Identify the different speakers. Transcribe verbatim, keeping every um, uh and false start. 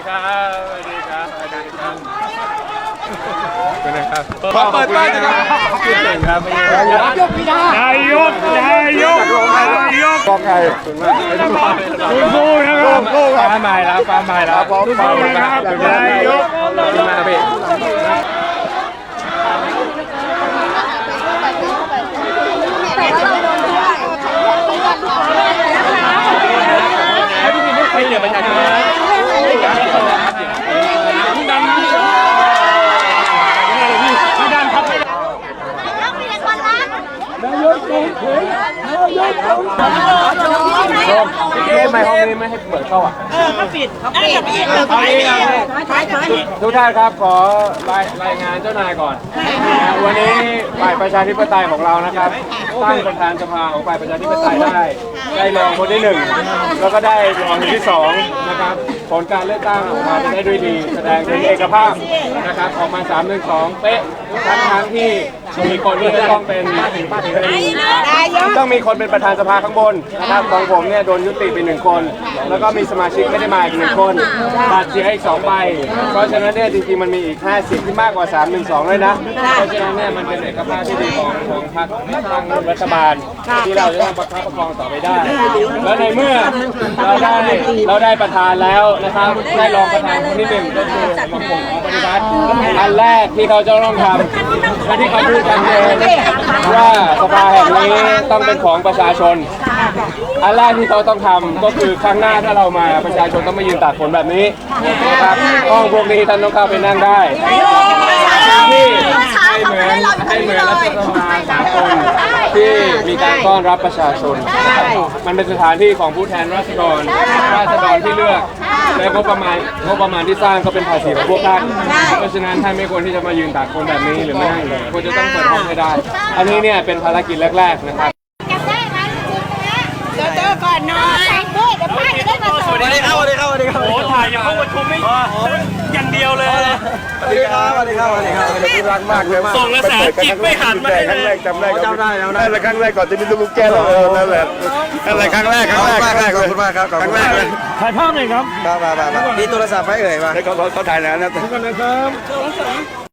Speaker 1: ครับสวัสดีครับสวัสดีครับเป็นไงครับ
Speaker 2: ขอเปิดบ้านนะครับ
Speaker 1: คิดเก่งครับนายก
Speaker 3: นายกนายกนายก
Speaker 2: กองไก่
Speaker 3: สู้ๆนะครับ
Speaker 2: สู้ค
Speaker 1: ฟ้า
Speaker 2: รับ
Speaker 1: ใหม่แล้วฟ้าใหม่แล้ว
Speaker 3: สู้ๆนะครับนายก
Speaker 1: ขึ้นมาพี่ให้เหลือประชาชนพี่ดันพี่ดันครับนายกลงเข็มนายกลงเข็มทำไมห้องนี้ไม่ให้เปิดเข้าอ่ะเออเขาปิดเขาปิดเอาเองทุกท่านครับขอรายรายงานเจ้านายก่อนวันนี้ฝ่ายประชาธิปไตยของเรานะครับตั้งประธานสภาของฝ่ายประชาธิปไตยได้ได้รองคนที่หนึ่งแล้วก็ได้รองคนที่สองนะครับผลการเลือกตั้งออกมาจะได้ด้วยดีแสดงถึงเอกภาพนะครับออกมาสามหนึ่งสองเป๊ะทั้งทั้งที่มีคนที่จะต้องเป็นต้องมีคนเป็นประธานสภาข้างบนนะครับของผมเนี่ยโดนยุติไปหนึ่งคนแล้วก็มีสมาชิกไม่ได้มาอีกหนึ่งคนบัตรเสียอีกสองใบเพราะฉะนั้นเนี่ยจริงๆมันมีอีกห้าสิบที่มากกว่าสามหนึ่งสองเลยนะเพราะฉะนั้นเนี่ยมันเป็นเอกภาพที่ดีของของพรรคตั้งรัฐบาลที่เราจะต้องประคับประคองต่อไปได้และในเมื่อเราได้เราได้ประธานแล้วนะครับได้รองประธานคนที่หนึ่งก็คือของผมของปฏิบัติอันแรกที่เขาจะต้องทำและที่เขาพูดกันเองว่าสภาแห่งนี้ต้องเป็นของประชาชนอันแรกที่เขาต้องทำก็คือครั้งหน้าถ้าเรามาประชาชนต้องมายืนตากฝนแบบนี้นะครับห้องพวกนี้ท่านต้องเข้าไปนั่งได้ที่ให้เหมือนให้เหมือนรัฐสภาสากลที่มีการต้อนรับประชาชนมันเป็นสถานที่ของผู้แทนราษฎรราษฎรที่เลือกและงบประมาณงบประมาณที่สร้างก็เป็นภาษีของพวกท่านเพราะฉะนั้นท่านไม่ควรที่จะมายืนตากฝนแบบนี้หรือไม่นั่งเลยควรจะต้องเปิดห้องให้ได้อันนี้เนี่ยเป็นภารกิจแรกๆนะครับ
Speaker 4: เจอก่อนนอนด้วยเดี๋ยวป้าจะได้มาส่ง
Speaker 2: สวัสดีครับสวัสดีครับสวัสดีครับ
Speaker 3: โอ้ถ่ายอย่างเข้าประชุมไม่อย่างเดียวเลย
Speaker 2: สวัสดีครับสวัสดีครับสวัสดีครับคุณรักมากเลยมาก
Speaker 3: ส่งกระแสจิกไม่หันมาให้
Speaker 2: ครั้ง
Speaker 3: เล
Speaker 2: แร
Speaker 3: ย
Speaker 2: กจำได้จำได้จำได้แล้วครั้งแรกก่อนจะมีลูกแก้วนั่นแหละนั่นแหละครั้งแรกครั้งแรกครั้งแรกขอบคุณมากครับครั้งแรกเลย
Speaker 3: ถ่ายภาพหน่อยครับ
Speaker 2: มามามามีโทรศัพท์ไหมเอ่ยมาเขาเขาถ่ายแล้วนะ
Speaker 3: กันนะครับ